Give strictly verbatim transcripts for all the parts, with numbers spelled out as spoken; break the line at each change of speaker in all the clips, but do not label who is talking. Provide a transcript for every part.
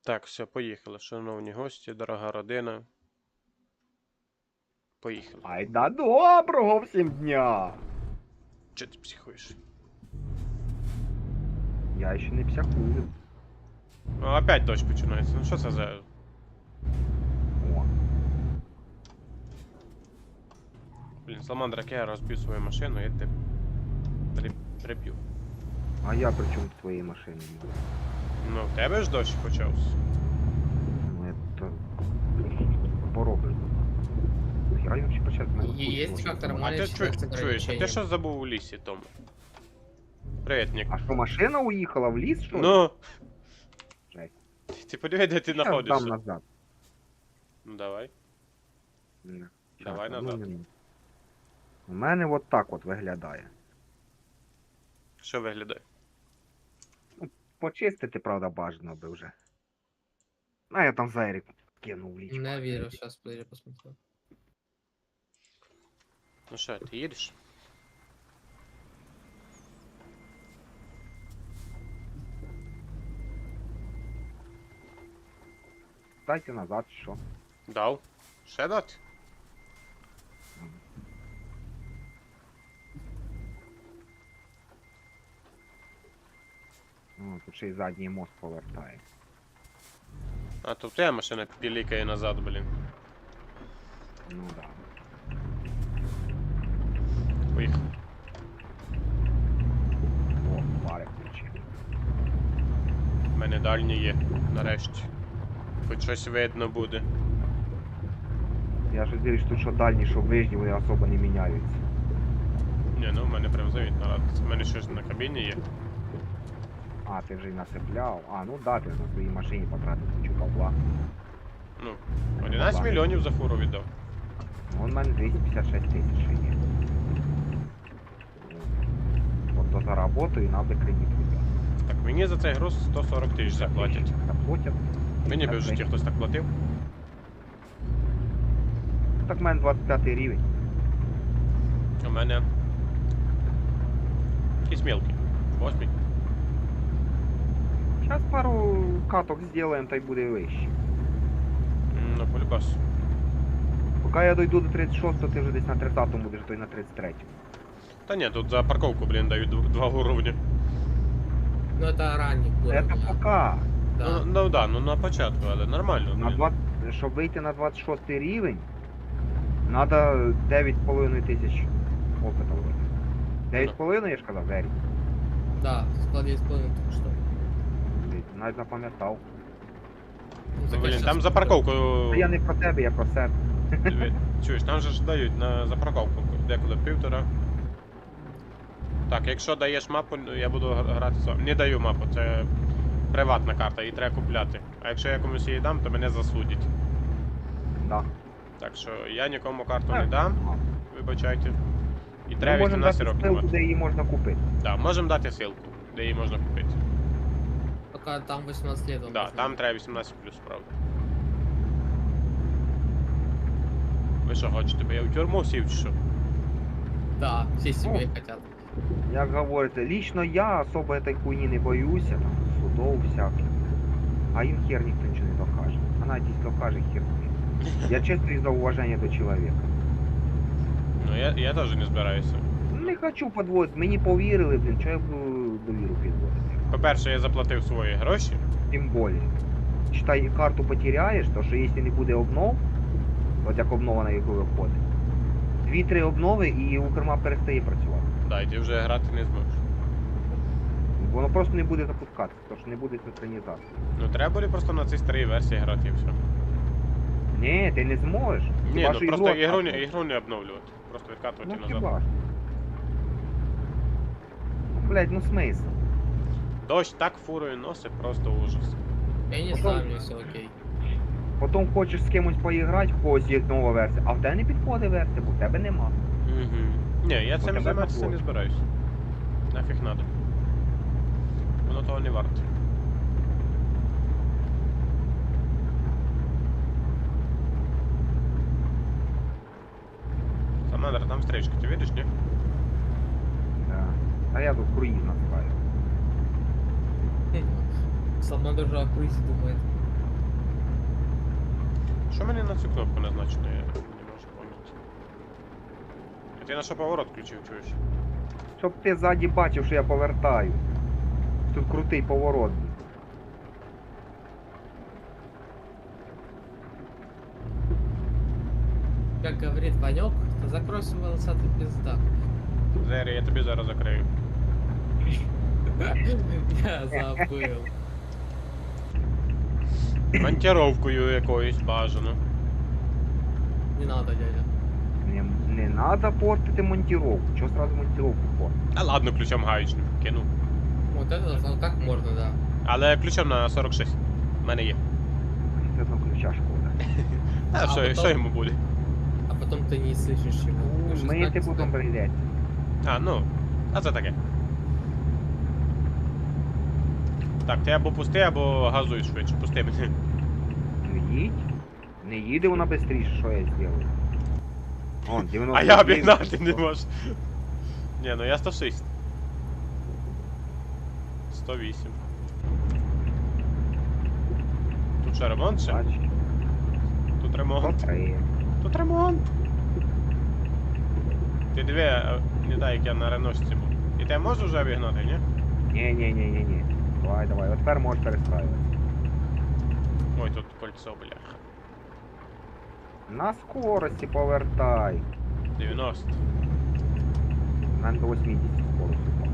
Так, все, поїхали, шановні гості, дорога родина. Поїхали.
Ай да доброго всім дня!
Чи ти психуєш?
Я ще не псякую.
Ну, опять дощ починається. Ну що це за.
О,
Блін, Саламандра, як я розбив свою машину, я тебе при... приб'ю.
а я при чому в твоїй машині?
Ну, в тебе ж дощ почався.
Ну это... Поробиш. Я вообще почав мене
Є- є фактор,
А
Має
ти
ще
чу...
з
чуєш, а ти
ограниченням.
що забув у лісі, Том? Привіт, Нік.
А що, машина уїхала в ліс, що ли?
Ну!
Жесть.
Ти подиви, де ти
Щас
знаходишся.
дам назад.
Ну давай.
Не.
Давай
Щас,
назад.
одну минуту. У мене от так от виглядає.
Що виглядає?
Почистити, правда, бажано би вже. А я там зайрик кинув в лічку.
Не вірю, зараз я посмотрю.
Ну що, ти їдеш?
Дайте назад, що?
Дав. Ще дати?
О, тут ще й задній мост повертає.
А то в тебе машина пілікає назад, блін.
Ну да.
Поїхали.
О, пари включив.
У мене дальні є, нарешті. Хоч щось видно буде.
Я ж дивлюсь, тут що дальні, що ближні, вони особо не міняються.
Ні, ну в мене прям завітно радиться. У мене щось на кабіні є.
А, ти вже й насипляв. А, ну да, ти на своїй машині потратив кучу бабла.
Ну, одинадцять мільйонів за фуру віддав.
Ну, у мене двісті п'ятдесят шість тисяч ще є. От то заработаю і надо кредит взяти.
Так, мені за цей груз сто сорок тисяч заплатять.
Заплатять.
Мені би в житті хтось так платив.
Так в мене двадцять п'ятий рівень.
У мене якийсь мілкий. Восьмий.
Зараз пару каток зробимо, та й буде вище.
М, Ну, полюбас.
Поки я дойду до тридцять шостого, ти вже десь на тридцятому будеш, то й на тридцять третьому.
Та ні, тут за парковку, блін, дають дв- два уровня.
Ну это ранний
Це
уровень.
поки.
Да.
Ну, ну да, ну на початку, але нормально.
На
блін.
двадцять, щоб вийти на двадцять шостий рівень, треба дев'ять з половиною тисяч опита вроде. дев'ять з половиною, я ж казав, Вері.
Да, склад есть полный только что.
Навіть запам'ятав.
Ну,
Ну, блін,
щас
там за
посмотрю.
парковку.
Та я не про тебе, я про себе.
Диви, чуєш, там же ж дають на за парковку деколи півтора. Так, якщо даєш мапу, ну, я буду гра- грати сам. Не даю мапу, це приватна карта, її треба купляти. А якщо я комусь її дам, то мене засудять.
Да.
Так що я нікому карту не
Так.
дам,
Ага.
вибачайте. І
Ми
треба
можемо
вісімнадцять
дати
років
ссылку,
мати.
де її можна купити.
Так, можемо дати ссылку, де її можна купити.
Пока там восемнадцать лет. он
Так,
должен
там
быть.
треба вісімнадцять плюс, правда. Ви що хочете, бо я в тюрму сів чи що?
Да, все себе
Ну.
хотят.
Як говорите, лично я особо этой хуйні не боюся, там, судов всяких. А їм хер ніхто нічого не докаже. А навіть якщо докаже, хер з ним. Я чисто із-за уваження до чоловіка.
Ну я, я теж не збираюся.
Не хочу подводити, мені повірили, блін, що я буду довіру підводити.
По-перше, я заплатив свої гроші.
Тим більше. Читай, карту потеряєш, то що якщо не буде обнов, от як обнова на яку виходить, дві-три обнови і Укрмап перестає працювати.
Да, і ти вже грати не зможеш.
Воно просто не буде запускатися, тому що не буде синхронізації.
Ну треба буде просто на цій старій версії грати і все.
Ні, ти не зможеш.
Ні,
Хіба
ну
що
просто ігру,
відкатувати.
не- ігру не обновлювати. Просто відкатувати
Ну
назад.
хіба ж. Ну, блядь, ну смисл.
Дощ так фурою носить, просто ужас.
Я не
Потом-
знаю, мне все окей.
Потім хочеш з кимось поіграти, в когось є нова версія, а в тебе не підходить версія, бо в тебе нема.
Угу. Ні, я
Бо
цим
тебе
займатися
табло.
не збираюсь. Нафіг надо. Воно того не варте. Самандр, там встречка, ти видиш, ні?
Да. А я тут круїз називаю.
Сама даже о круизе думает.
Що мені на цю кнопку назначено, я не можу поняти. А ти на що поворот включив, чуєш?
Щоб ти ззаді бачив, що я повертаю. Тут крутий поворот.
Как говорит Ванек, то закрой свой волосатый пиздак.
Зері, я тобі зараз закрию.
Я забыл.
Монтировкою якоюсь бажано.
Не надо, дядя.
Не, не надо портити монтировку. Чого сразу монтировку портити?
А ладно, ключом гаючним кину.
Вот это ну, так можно, да.
Але ключом на сорок шість. У мене є.
Це одно ключа шкода.
А,
А
що,
потом-
що йому буде?
А потом ты не слышишь его. Вы же
Ми
знаете,
ти потім
что-
прийдеться.
А, ну. А це таке. Так, ти або пусти, або газуй швидше. Пусти мене.
Ну їдь. Не їде вона швидше, що я зроблю. Вон, дев'яносто
А я
дев'ять.
обігнати не можу. Ні, ну я сто шість. сто вісім. Тут ще ремонт ще?
Бач,
Тут ремонт.
сто три.
Тут ремонт. Ти диви, а, не дай, як я на реношці був. І ти можеш вже обігнати, ні?
Ні, ні, ні, ні, ні. Давай, давай. От тепер можеш перестраювати.
Ой, тут кольцо, бляха.
На скорості повертай.
дев'яносто.
У мене до вісімдесят скорость упав.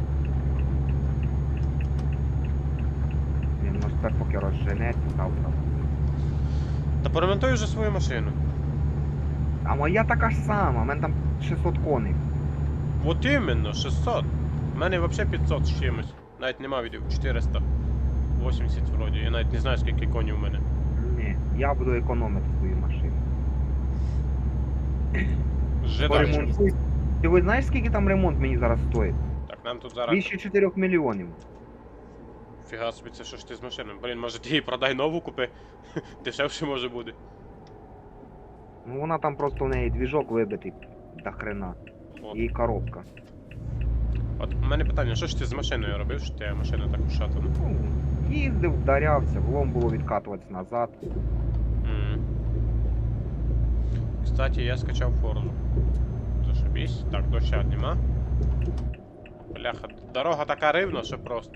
Він може тепер поки розженеться, завтра.
Та поремонтуй вже свою машину.
А моя така ж сама, у мене там шістсот коней.
От іменно, шістсот. У мене взагалі п'ятсот з чимось. Навіть нема відео, чотириста вісімдесят вроді. Я навіть не знаю, скільки конів у мене.
Ні, я буду економити свою машину.
Жидачі.
Поремонтуй. Ти ви знаєш, скільки там ремонт мені зараз стоїть?
Так, нам тут зараз...
Більше чотирьох мільйонів.
Фіга собі, це що ж ти з машиною? Блін, може ти її продай нову купи? Дешевше може буде.
Ну вона там просто в неї двіжок вибитий до хрена.
От.
І коробка.
От у мене питання, що ж ти з машиною робив, що ти машина так ушатана?
Ну, їздив, вдарявся, влом було відкатуватися назад.
М. Кстати, я скачав Форзу. Зашибісь. Так, доща нема. Бляха, дорога така рівна, що просто.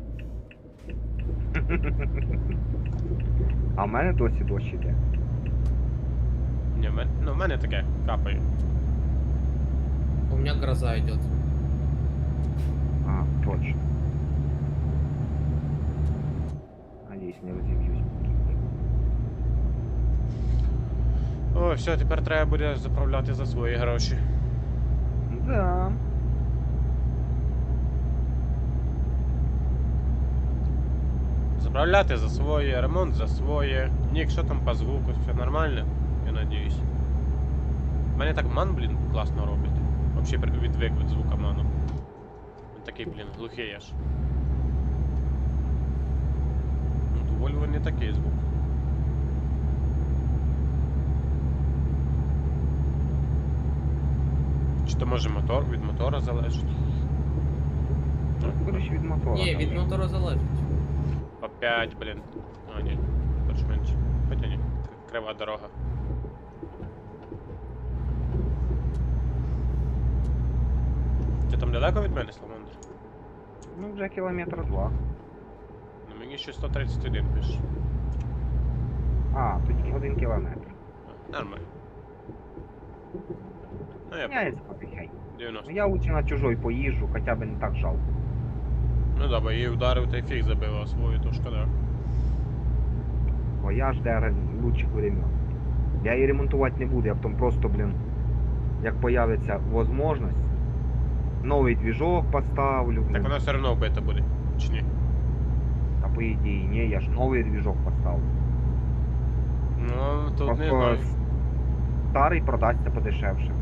А в мене досі дощ іде.
Ні, в мене, ну в мене таке, капає.
У меня гроза идет.
А, точно. Надіюсь, не розіб'юсь.
Ой, все, тепер треба буде заправляти за свої гроші.
Да.
Заправляти за своє, ремонт за своє. Нік, що там по звуку, все нормально? Я надіюсь. У мене так ман, блін, класно робить. Вообще при- відвик від звука ману. Він такий, блін, глухий аж. Ну, у Volvo не такий звук. Чи то може мотор від мотора залежить?
Скоріше від мотора.
Не, від мотора залежить.
Опять, блін. А, ні, більш-менш. Хоча ні, к- крива дорога. Ти там далеко від мене, Сламандр?
Ну, вже кілометр два.
Ну мені ще сто тридцять один пише.
А, тут тільки один кілометр.
А, нормально. Ну я
Я
понял.
потихеньку.
дев'яносто.
Я лучше на чужой поїжджу, хоча б не так жалко.
Ну да, бо її вдарив та й фіг забив, а свою то шкода.
Бо я жде лучших времен. Я її ремонтувати не буду, я потім просто, блін, як появиться можливість, новий двіжок поставлю.
Так
блін.
вона все одно вбита буде. Чи ні?
А по ідеї, ні, я ж новий двіжок поставлю.
Ну, тут не
Просто
знаю.
старий продасться подешевше.